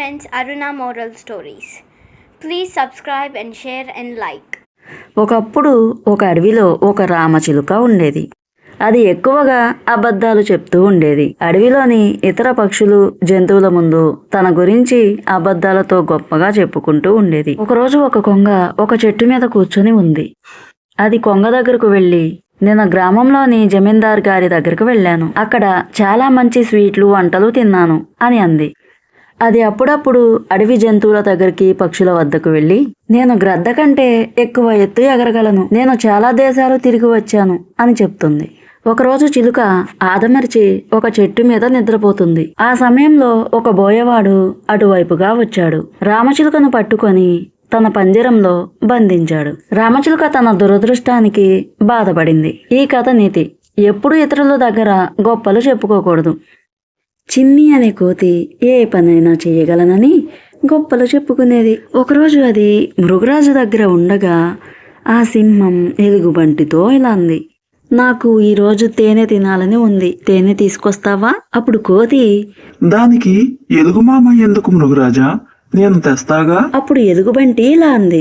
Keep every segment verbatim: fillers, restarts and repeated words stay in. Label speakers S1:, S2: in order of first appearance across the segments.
S1: friends, Aruna Moral Stories. Please subscribe and share and like.
S2: ఒకప్పుడు ఒక అడవిలో ఒక రామచిలుక ఉండేది. అది ఎక్కువగా అబద్ధాలు చెప్తూ ఉండేది. అడవిలోని ఇతర పక్షులు జంతువుల ముందు తన గురించి అబద్ధాలతో గొప్పగా చెప్పుకుంటూ ఉండేది. ఒకరోజు ఒక కొంగ ఒక చెట్టు మీద కూర్చొని ఉంది. అది కొంగ దగ్గరకు వెళ్ళి, నేను గ్రామంలోని జమీందార్ గారి దగ్గరకు వెళ్ళాను, అక్కడ చాలా మంచి స్వీట్లు వంటలు తిన్నాను అని అంది. అది అప్పుడప్పుడు అడవి జంతువుల దగ్గరికి పక్షుల వద్దకు వెళ్ళి, నేను గ్రద్ద కంటే ఎక్కువ ఎత్తు ఎగరగలను, నేను చాలా దేశాలు తిరిగి వచ్చాను అని చెప్తుంది. ఒకరోజు చిలుక ఆదమర్చి ఒక చెట్టు మీద నిద్రపోతుంది. ఆ సమయంలో ఒక బోయవాడు అటువైపుగా వచ్చాడు. రామచిలుకను పట్టుకొని తన పంజరంలో బంధించాడు. రామచిలుక తన దురదృష్టానికి బాధపడింది. ఈ కథ నీతి: ఎప్పుడు ఇతరుల దగ్గర గొప్పలు చెప్పుకోకూడదు. చిన్ని అనే కోతి ఏ పనైనా చేయగలనని గొప్పలు చెప్పుకునేది. ఒకరోజు అది మృగరాజు దగ్గర ఉండగా ఆ సింహం ఎలుగుబంటితో ఇలా అంది, నాకు ఈరోజు తేనె తినాలని ఉంది, తేనె తీసుకొస్తావా? అప్పుడు కోతి,
S3: దానికి ఎలుగుమామ ఎందుకు మృగరాజా, నేను తెస్తాగా.
S2: అప్పుడు ఎలుగుబంటి ఇలా అంది,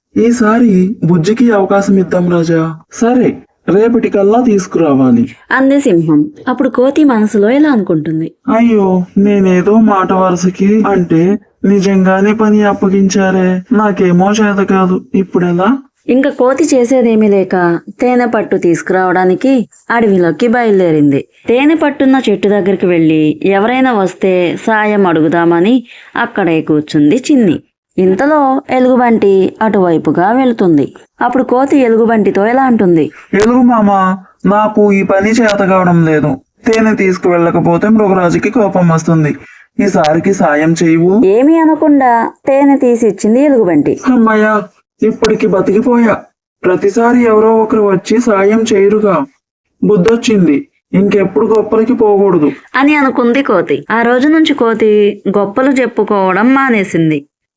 S3: ఈసారి బుజ్జికి అవకాశం ఇద్దాం రాజా. సరే, రేపటికల్లా తీసుకురావాలి
S2: అంది సింహం. అప్పుడు కోతి మనసులో ఇలా అనుకుంటుంది,
S3: అయ్యో, నేనేదో మాట వరుసకి అంటే నిజంగానే పని అప్పగించారే, నాకేమో చేత కాదు, ఇప్పుడెలా?
S2: ఇంకా కోతి చేసేదేమీ లేక తేనె పట్టు తీసుకురావడానికి అడవిలోకి బయలుదేరింది. తేనె పట్టున్న చెట్టు దగ్గరికి వెళ్ళి ఎవరైనా వస్తే సాయం అడుగుదామని అక్కడే కూర్చుంది చిన్ని. ఇంతలో ఎలుగుబంటి అటువైపుగా వెళుతుంది. అప్పుడు కోతి ఎలుగుబంటితో ఎలా అంటుంది,
S3: ఎలుగు మామ, నాకు ఈ పని చేత కావడం లేదు, తేనె తీసుకువెళ్ళకపోతే మృగరాజుకి కోపం వస్తుంది, ఈసారికి సాయం చేయవు.
S2: ఏమీ అనకుండా తేనె తీసి ఇచ్చింది ఎలుగుబంటి.
S3: అమ్మయ్యా, ఇప్పటికి బతికిపోయా. ప్రతిసారి ఎవరో ఒకరు వచ్చి సాయం చేయరుగా, బుద్ధొచ్చింది, ఇంకెప్పుడు గొప్పలకి పోకూడదు
S2: అని అనుకుంది కోతి. ఆ రోజు నుంచి కోతి గొప్పలు చెప్పుకోవడం మానేసింది.